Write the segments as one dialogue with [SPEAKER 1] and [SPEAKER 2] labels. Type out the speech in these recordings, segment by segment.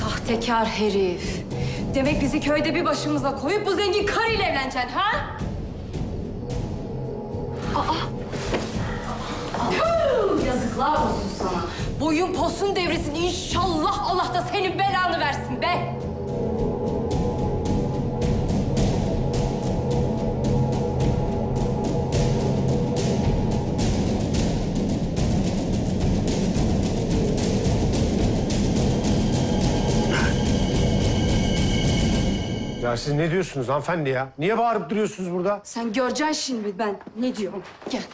[SPEAKER 1] Sahtekar herif. Demek bizi köyde bir başımıza koyup bu zengin karıyla evleneceksin ha? Yazıklar olsun sana. Boyun posun devresin. İnşallah Allah da senin belanı versin be.
[SPEAKER 2] Ya siz ne diyorsunuz hanımefendi ya? Niye bağırıp duruyorsunuz burada?
[SPEAKER 1] Sen göreceksin şimdi ben ne diyorum. Gel.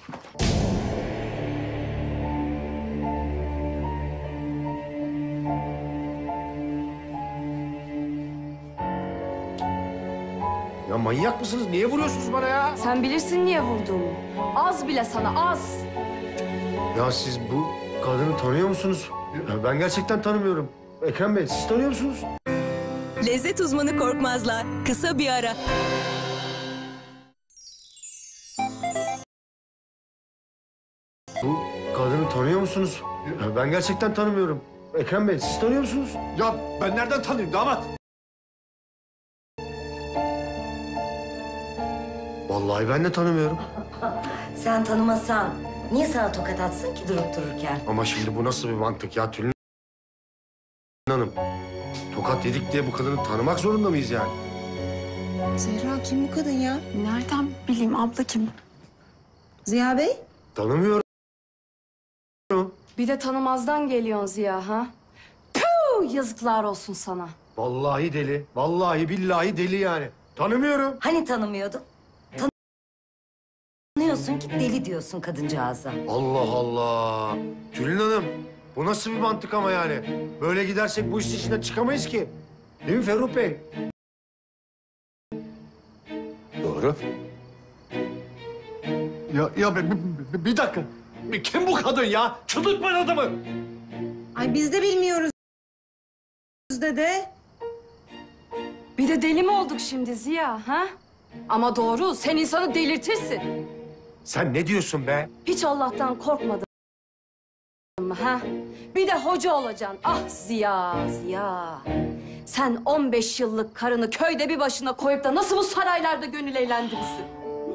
[SPEAKER 2] Ya manyak mısınız? Niye vuruyorsunuz bana ya?
[SPEAKER 1] Sen bilirsin niye vurduğumu. Az bile sana az.
[SPEAKER 2] Ya siz bu kadını tanıyor musunuz? Ya ben gerçekten tanımıyorum. Ekrem Bey, siz tanıyor musunuz?
[SPEAKER 3] Lezzet uzmanı Korkmaz'la kısa bir ara.
[SPEAKER 2] Bu kadını tanıyor musunuz? Ya ben gerçekten tanımıyorum. Ekrem Bey, siz tanıyor musunuz?
[SPEAKER 4] Ya ben nereden tanıyayım damat?
[SPEAKER 2] Vallahi ben de tanımıyorum.
[SPEAKER 5] Sen tanımasan niye sana tokat atsın ki durup dururken?
[SPEAKER 2] Ama şimdi bu nasıl bir mantık ya Tülin Hanım? Tokat yedik diye bu kadını tanımak zorunda mıyız yani?
[SPEAKER 6] Zehra kim bu kadın ya?
[SPEAKER 7] Nereden bileyim abla kim?
[SPEAKER 6] Ziya Bey?
[SPEAKER 2] Tanımıyorum.
[SPEAKER 1] Bir de tanımazdan geliyorsun Ziya ha? Puh, yazıklar olsun sana.
[SPEAKER 2] Vallahi deli. Vallahi billahi deli yani. Tanımıyorum.
[SPEAKER 5] Hani tanımıyordun? Tanıyorsun ki deli diyorsun kadıncağıza.
[SPEAKER 2] Allah Allah. Tülin Hanım, bu nasıl bir mantık ama yani? Böyle gidersek bu işin içinden çıkamayız ki. Değil mi Ferruh Bey?
[SPEAKER 4] Doğru. Ya bir dakika. Kim bu kadın ya? Çıldırtmayın adamı.
[SPEAKER 6] Ay biz de bilmiyoruz dede.
[SPEAKER 1] Bir de deli mi olduk şimdi Ziya ha? Ama doğru sen insanı delirtirsin.
[SPEAKER 2] Sen ne diyorsun be?
[SPEAKER 1] Hiç Allah'tan korkmadın mı ha? Bir de hoca olacaksın. Ah Ziya, Ziya. Sen 15 yıllık karını köyde bir başına koyup da nasıl bu saraylarda gönül eğlendirirsin?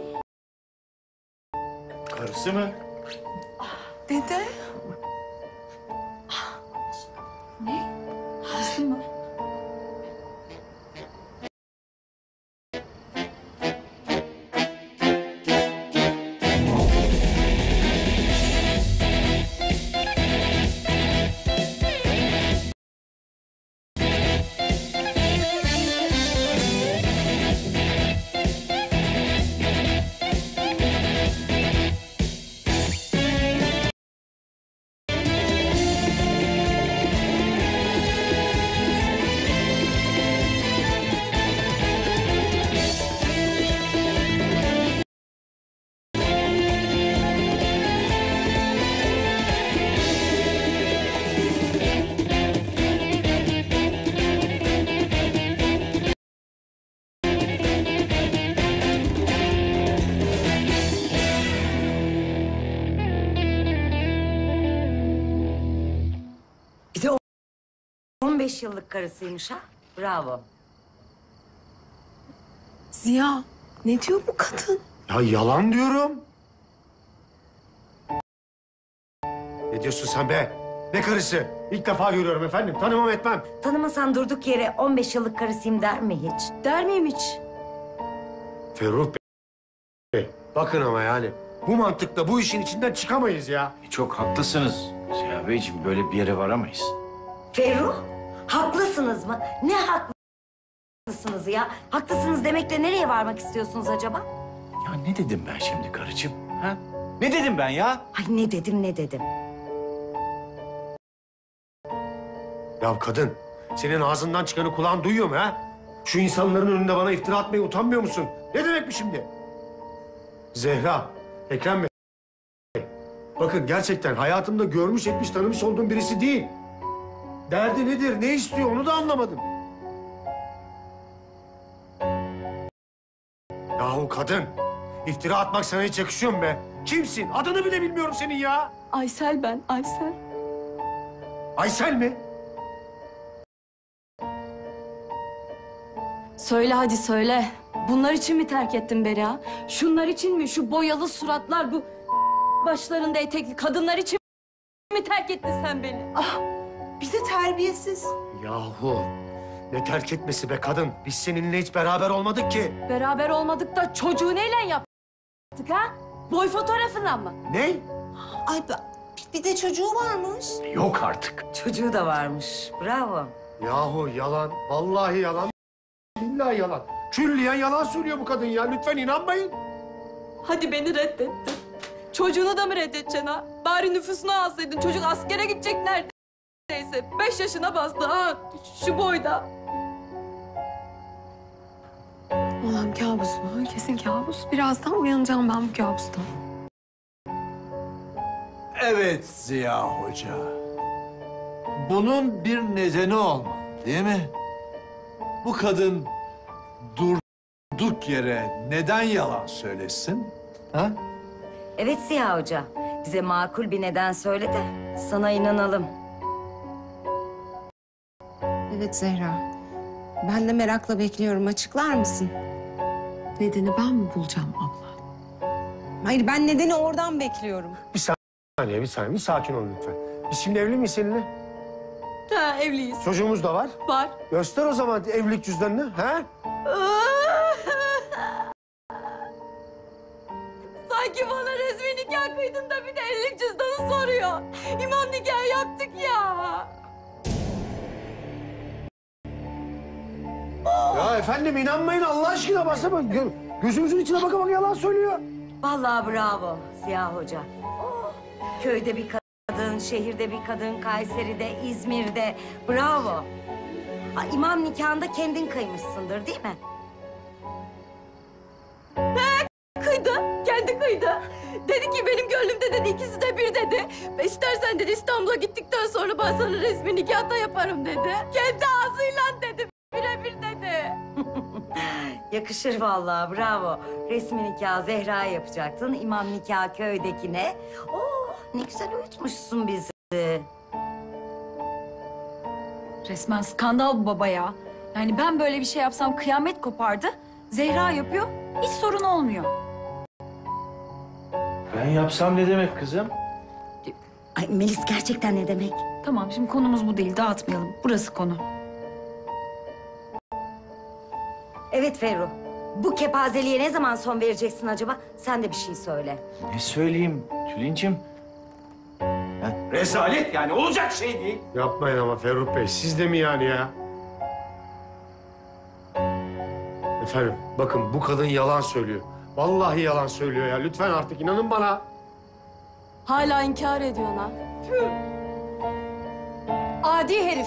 [SPEAKER 4] Karısı mı?
[SPEAKER 7] Dede.
[SPEAKER 1] Karısı mı?
[SPEAKER 5] Bir de 15 yıllık karısıymış ha. Bravo.
[SPEAKER 7] Ziya ne diyor bu kadın?
[SPEAKER 2] Ya yalan diyorum. Ne diyorsun sen be? Ne karısı? İlk defa görüyorum efendim. Tanımam etmem.
[SPEAKER 5] Tanımasan durduk yere 15 yıllık karısıyım der mi hiç?
[SPEAKER 1] Der miyim hiç?
[SPEAKER 2] Ferruh Bey. Bakın ama yani. Bu mantıkla bu işin içinden çıkamayız ya.
[SPEAKER 8] Çok haklısınız Ziya Beyciğim. Böyle bir yere varamayız.
[SPEAKER 5] Ferruh, haklısınız mı? Ne haklısınız ya? Haklısınız demekle nereye varmak istiyorsunuz acaba?
[SPEAKER 8] Ya ne dedim ben şimdi karıcığım? Ha? Ne dedim ben ya?
[SPEAKER 5] Ay ne dedim ne dedim.
[SPEAKER 2] Ya kadın, senin ağzından çıkanı kulağın duyuyor mu ha? Şu insanların önünde bana iftira atmaya utanmıyor musun? Ne demek bu şimdi? Zehra, Ekrem Bey. Bakın gerçekten hayatımda görmüş etmiş tanımış olduğum birisi değil. Derdi nedir, ne istiyor onu da anlamadım. Yahu kadın, iftira atmak sana hiç yakışıyor mu be? Kimsin? Adını bile bilmiyorum senin ya.
[SPEAKER 1] Aysel ben, Aysel.
[SPEAKER 2] Aysel mi?
[SPEAKER 1] Söyle hadi söyle. Bunlar için mi terk ettin beni ha? Şunlar için mi? Şu boyalı suratlar, bu başlarında etekli kadınlar için mi terk ettin sen beni?
[SPEAKER 6] Bir de terbiyesiz.
[SPEAKER 2] Yahu ne terk etmesi be kadın. Biz seninle hiç beraber olmadık ki.
[SPEAKER 1] Beraber olmadık da çocuğu neyle yaptık ha? Boy fotoğrafından mı?
[SPEAKER 2] Ne?
[SPEAKER 6] Ay bir de çocuğu varmış.
[SPEAKER 8] Yok artık.
[SPEAKER 5] Çocuğu da varmış. Bravo.
[SPEAKER 2] Yahu yalan. Vallahi yalan. Billahi yalan. Külliyen yalan söylüyor bu kadın ya. Lütfen inanmayın.
[SPEAKER 1] Hadi beni reddettin. Çocuğunu da mı reddedeceksin ha? Bari nüfusunu alsaydın. Çocuk askere gidecek neredeyse. 5 yaşına bastı ha. Şu boyda.
[SPEAKER 7] Allah'ım kabus mu? Kesin kabus. Birazdan uyanacağım ben bu kabustan.
[SPEAKER 4] Evet Ziya Hoca. Bunun bir nedeni olmalı, değil mi? Bu kadın durduk yere neden yalan söylesin? Ha?
[SPEAKER 5] Evet Ziya Hoca. Bize makul bir neden söyle de sana inanalım.
[SPEAKER 6] Evet Zehra. Ben de merakla bekliyorum. Açıklar mısın?
[SPEAKER 7] Nedeni ben mi bulacağım abla?
[SPEAKER 6] Hayır, ben nedeni oradan bekliyorum.
[SPEAKER 2] Bir saniye. Bir sakin ol lütfen. Biz şimdi evli miyiz seninle?
[SPEAKER 1] Ha evliyiz.
[SPEAKER 2] Çocuğumuz da var.
[SPEAKER 1] Var.
[SPEAKER 2] Göster o zaman evlilik cüzdanını. Ha?
[SPEAKER 1] Sanki bana resmi nikah kıydın da bir de evlilik cüzdanı soruyor. İmam nikahı yaptık ya.
[SPEAKER 2] Ya efendim inanmayın Allah aşkına basama. Gözümüzün içine baka baka yalan söylüyor.
[SPEAKER 5] Vallahi bravo Ziya Hoca. Oh, köyde bir kadın, şehirde bir kadın, Kayseri'de, İzmir'de. Bravo. Ha, imam nikahında kendin kıymışsındır değil mi?
[SPEAKER 1] Kıydı, kendi kıydı. Dedi ki benim gönlümde dedi ikisi de bir dedi. Ve istersen dedi İstanbul'a gittikten sonra ben sana resmi nikah da yaparım dedi. Kendi ağzıyla dedi, birebir dedi.
[SPEAKER 5] Yakışır vallahi bravo. Resmi nikah Zehra yapacaktın, imam nikah köydekine. Oh ne güzel uyutmuşsun bizi.
[SPEAKER 9] Resmen skandal bu baba ya. Yani ben böyle bir şey yapsam kıyamet kopardı. Zehra yapıyor, hiç sorun olmuyor.
[SPEAKER 8] Ben yapsam ne demek kızım?
[SPEAKER 5] Ay Melis gerçekten ne demek?
[SPEAKER 9] Tamam, şimdi konumuz bu değil, dağıtmayalım. Burası konu.
[SPEAKER 5] Evet Ferruh. Bu kepazeliğe ne zaman son vereceksin acaba? Sen de bir şey söyle.
[SPEAKER 8] Ne söyleyeyim Tülin'cim? Rezalet yani olacak şey değil.
[SPEAKER 2] Yapmayın ama Ferruh Bey. Siz de mi yani ya? Efendim bakın bu kadın yalan söylüyor. Vallahi yalan söylüyor ya. Lütfen artık inanın bana.
[SPEAKER 1] Hala inkar ediyorsun ha. Tüh. Adi herif.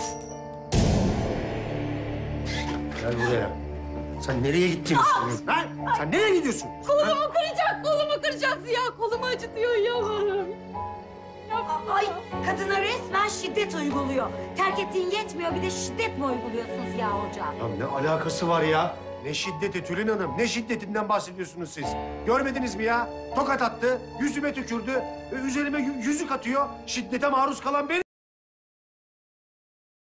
[SPEAKER 2] Gel buraya. Sen nereye gittiğini sanıyorsun? Ha? Sen nereye gidiyorsun?
[SPEAKER 1] Kolumu kıracak Ziya. Kolumu acıtıyor yalvarırım.
[SPEAKER 5] Ay kadına resmen şiddet uyguluyor. Terk ettiğin yetmiyor bir de şiddet mi uyguluyorsun Ziya Hoca?
[SPEAKER 2] Ya ne alakası var ya? Ne şiddeti Tülin Hanım? Ne şiddetinden bahsediyorsunuz siz? Görmediniz mi ya? Tokat attı, yüzüme tükürdü, üzerime yüzük atıyor. Şiddete maruz kalan benim.